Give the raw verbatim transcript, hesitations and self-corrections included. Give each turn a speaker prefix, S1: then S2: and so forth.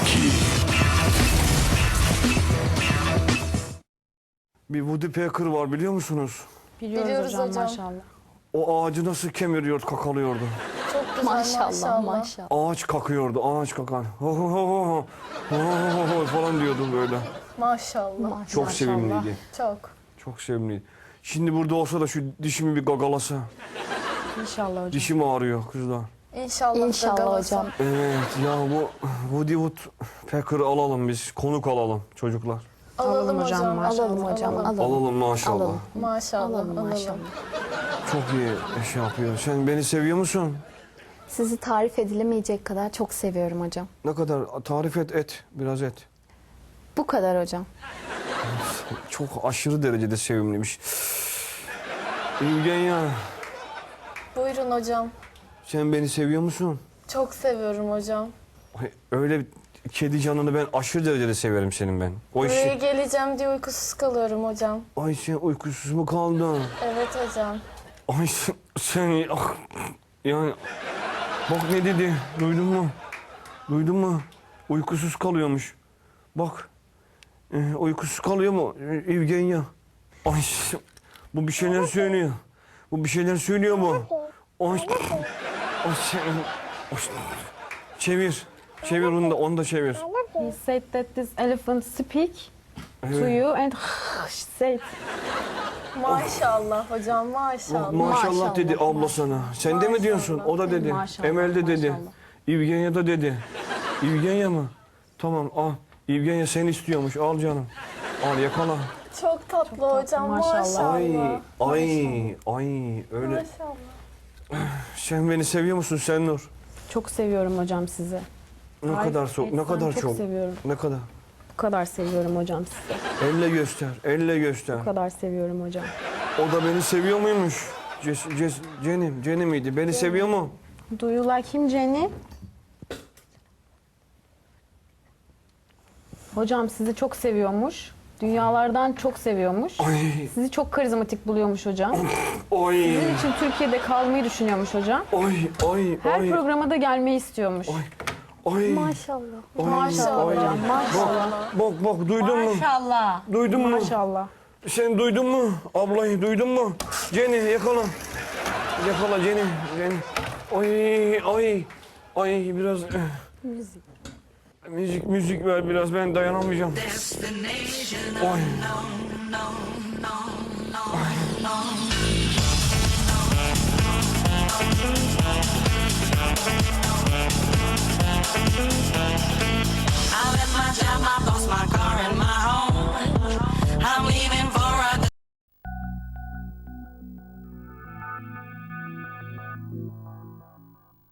S1: iki.
S2: Bir Woody Pecker var biliyor musunuz?
S3: Biliyoruz,
S4: Biliyoruz
S3: hocam,
S4: hocam.
S3: maşallah.
S2: O ağacı nasıl kemiriyor, kakalıyordu.
S4: Çok güzel
S3: Maşallah,
S4: maşallah.
S3: maşallah.
S2: Ağaç kakıyordu, ağaç kakan. Ho ho ho ho ho ho ho falan diyordu böyle.
S4: Maşallah.
S3: Maşallah.
S2: Çok sevimliydi.
S4: Çok.
S2: Çok sevimliydi. Şimdi burada olsa da şu dişimi bir gagalasa.
S3: İnşallah hocam.
S2: Dişim ağrıyor kızlar.
S4: İnşallah.
S3: İnşallah
S4: gagalasa.
S3: hocam.
S2: Evet ya bu Woody Wood Pecker'ı alalım biz. Konuk alalım çocuklar.
S4: Alalım,
S3: Alalım hocam,
S4: hocam.
S3: maşallah.
S4: Alalım
S3: hocam,
S4: Alalım.
S3: alalım.
S2: Alalım maşallah.
S3: Alalım.
S4: Maşallah.
S3: Alalım
S4: Alalım.
S3: maşallah.
S2: Çok iyi şey yapıyor. Sen beni seviyor musun?
S3: Sizi tarif edilemeyecek kadar çok seviyorum hocam.
S2: Ne kadar? Tarif et et. Biraz et.
S3: Bu kadar hocam.
S2: Çok aşırı derecede sevimliymiş. İlgen ya.
S4: Buyurun hocam.
S2: Sen beni seviyor musun?
S4: Çok seviyorum hocam.
S2: Ay, öyle kedi canını ben aşırı derecede severim senin ben. O
S4: Buraya
S2: işi...
S4: geleceğim diye uykusuz kalıyorum hocam.
S2: Ay sen uykusuz mu kaldın?
S4: Evet hocam.
S2: Ay sen, sen ah, yani bak ne dedi duydun mu? Duydun mu? Uykusuz kalıyormuş. Bak e, uykusuz kalıyor mu e, Evgenya? Ay sen- bu bir şeyler söylüyor. Bu bir şeyler söylüyor bu. Ay, ay sen, ay, çevir. Çevir onu da onu da çevir.
S5: He said that this elephant speak to
S2: Evet.
S5: you and said
S4: Maşallah hocam maşallah.
S2: Bak, maşallah
S3: Maşallah,
S2: dedi abla sana. Sen de mi diyorsun? O da dedi.
S5: Maşallah,
S2: Emel de dedi.
S5: maşallah.
S2: İvgenya da dedi. İvgenya mı? Tamam al. İvgenya seni istiyormuş. Al canım. Al yakala.
S4: Çok tatlı hocam
S5: maşallah.
S4: maşallah.
S2: Ay ay ay öyle.
S4: Maşallah.
S2: Sen beni seviyor musun sen Nur?
S5: çok seviyorum hocam sizi.
S2: Ne
S5: Tarif
S2: kadar çok, ne
S5: etsem
S2: kadar
S5: çok
S2: çok.
S5: seviyorum.
S2: Ne kadar?
S5: Bu kadar seviyorum hocam sizi.
S2: Elle göster, elle göster.
S5: Bu kadar seviyorum hocam.
S2: O da beni seviyor muymuş? Ces, Ces, Cenim, Cenim miydi? Beni seviyor mu?
S5: Do you like him Jenny? Hocam sizi çok seviyormuş. Dünyalardan çok seviyormuş.
S2: Ay,
S5: Sizi çok karizmatik buluyormuş hocam.
S2: ay,
S5: Sizin için Türkiye'de kalmayı düşünüyormuş hocam.
S2: ay, ay,
S5: Her
S2: ay,
S5: programa da gelmeyi istiyormuş.
S2: ay, ay.
S3: Maşallah.
S2: Ay,
S4: Maşallah
S2: ay.
S4: hocam,
S2: Bak, bak, bak, duydun mu?
S5: Maşallah.
S2: Duydun mu?
S5: Maşallah.
S2: Sen duydun mu? Ablayı duydun mu? Jenny yakala. Yakala Jenny. Jenny. Ay, ay, ay biraz... eh.
S3: Müzik.
S2: Müzik, müzik ver biraz ben dayanamayacağım. Ay. Ay.